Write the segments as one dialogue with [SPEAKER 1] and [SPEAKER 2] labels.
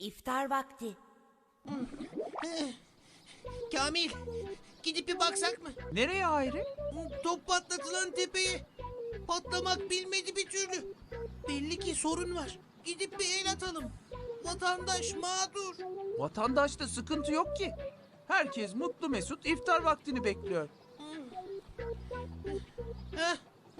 [SPEAKER 1] İftar vakti.
[SPEAKER 2] Kamil, gidip bir baksak mı?
[SPEAKER 3] Nereye Hayri?
[SPEAKER 2] Top patlatılan tepeye. Patlamak bilmedi bir türlü. Belli ki sorun var. Gidip bir el atalım. Vatandaş mağdur.
[SPEAKER 3] Vatandaşta sıkıntı yok ki. Herkes mutlu mesut iftar vaktini bekliyor.
[SPEAKER 2] Heh.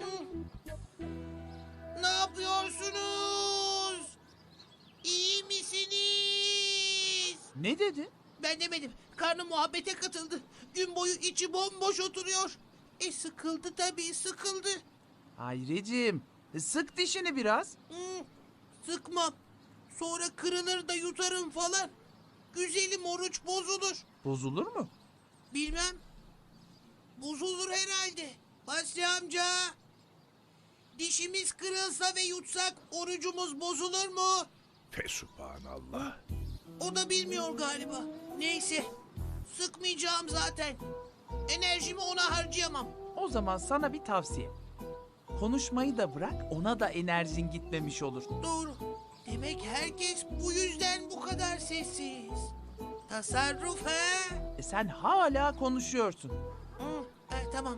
[SPEAKER 2] Ne yapıyorsunuz? İyi misiniz?
[SPEAKER 3] Ne dedi?
[SPEAKER 2] Ben demedim. Karnı muhabbete katıldı. Gün boyu içi bomboş oturuyor. Sıkıldı tabii, sıkıldı.
[SPEAKER 3] Hayriciğim, sık dişini biraz.
[SPEAKER 2] Sıkmam. Sonra kırılır da yutarım falan. Güzelim, oruç bozulur.
[SPEAKER 3] Bozulur mu?
[SPEAKER 2] Bilmem. Bozulur herhalde. Basri amca. Dişimiz kırılsa ve yutsak orucumuz bozulur mu?
[SPEAKER 4] Fesubhanallah.
[SPEAKER 2] O da bilmiyor galiba. Neyse. Sıkmayacağım zaten. Enerjimi ona harcayamam.
[SPEAKER 3] O zaman sana bir tavsiye. Konuşmayı da bırak, ona da enerjin gitmemiş olur.
[SPEAKER 2] Doğru. Demek herkes bu yüzden bu kadar sessiz. Tasarruf he?
[SPEAKER 3] Sen hala konuşuyorsun.
[SPEAKER 2] Tamam.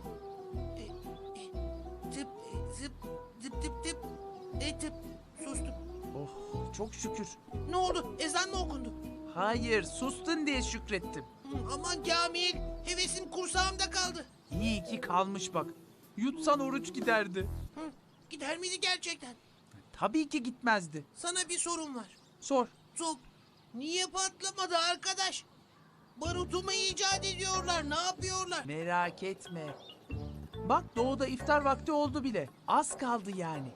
[SPEAKER 2] Tıp, zıp, zıp tıp tıp. Tıp. Sustum.
[SPEAKER 3] Oh, çok şükür.
[SPEAKER 2] Ne oldu? Ezan mı okundu?
[SPEAKER 3] Hayır, sustun diye şükrettim.
[SPEAKER 2] Aman Kamil. Hevesim kursağımda kaldı.
[SPEAKER 3] İyi ki kalmış bak. Yutsan oruç giderdi.
[SPEAKER 2] Gider miydi gerçekten?
[SPEAKER 3] Tabii ki gitmezdi.
[SPEAKER 2] Sana bir sorum var.
[SPEAKER 3] Sor.
[SPEAKER 2] Top niye patlamadı arkadaş? Barutu mu icat ediyorlar? Ne yapıyorlar?
[SPEAKER 3] Merak etme. Bak doğuda iftar vakti oldu bile. Az kaldı yani.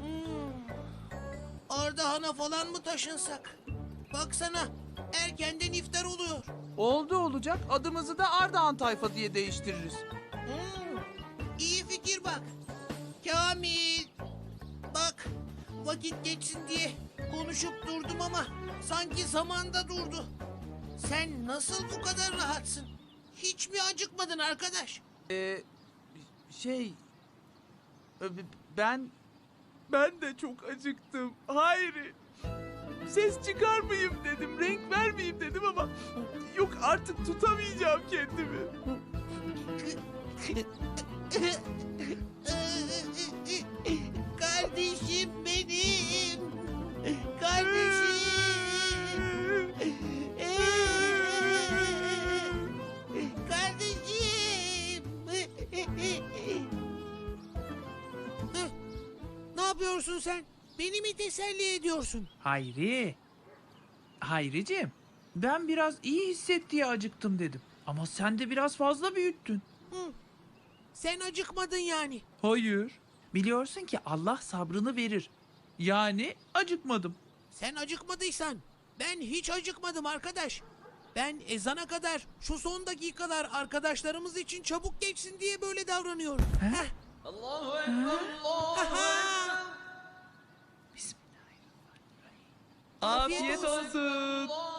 [SPEAKER 2] Ardahan'a falan mı taşınsak? Baksana erkenden iftar oluyor.
[SPEAKER 3] Oldu olacak, adımızı da Ardahan tayfa diye değiştiririz.
[SPEAKER 2] İyi fikir bak. Kamil. Bak vakit geçsin diye konuşup durdum ama sanki zamanda durdu. Sen nasıl bu kadar rahatsın? Hiç mi acıkmadın arkadaş?
[SPEAKER 3] Şey... Ben de çok acıktım. Hayri. Ses çıkarmayayım dedim, renk vermeyeyim dedim ama... Yok artık tutamayacağım kendimi.
[SPEAKER 2] Kardeşim benim. Kardeşim. Kardeşim. Ne yapıyorsun sen? Beni mi teselli ediyorsun?
[SPEAKER 3] Hayri. Hayriciğim, ben biraz iyi hisset diye acıktım dedim. Ama sen de biraz fazla büyüttün.
[SPEAKER 2] Sen acıkmadın yani.
[SPEAKER 3] Hayır. Biliyorsun ki Allah sabrını verir. Yani acıkmadım.
[SPEAKER 2] Sen acıkmadıysan ben hiç acıkmadım arkadaş. Ben ezana kadar şu son dakikalar arkadaşlarımız için çabuk geçsin diye böyle davranıyorum. Heh.
[SPEAKER 5] Allahu Ekber, Allahu Ekber.
[SPEAKER 3] Afiyet
[SPEAKER 2] olsun.
[SPEAKER 3] olsun.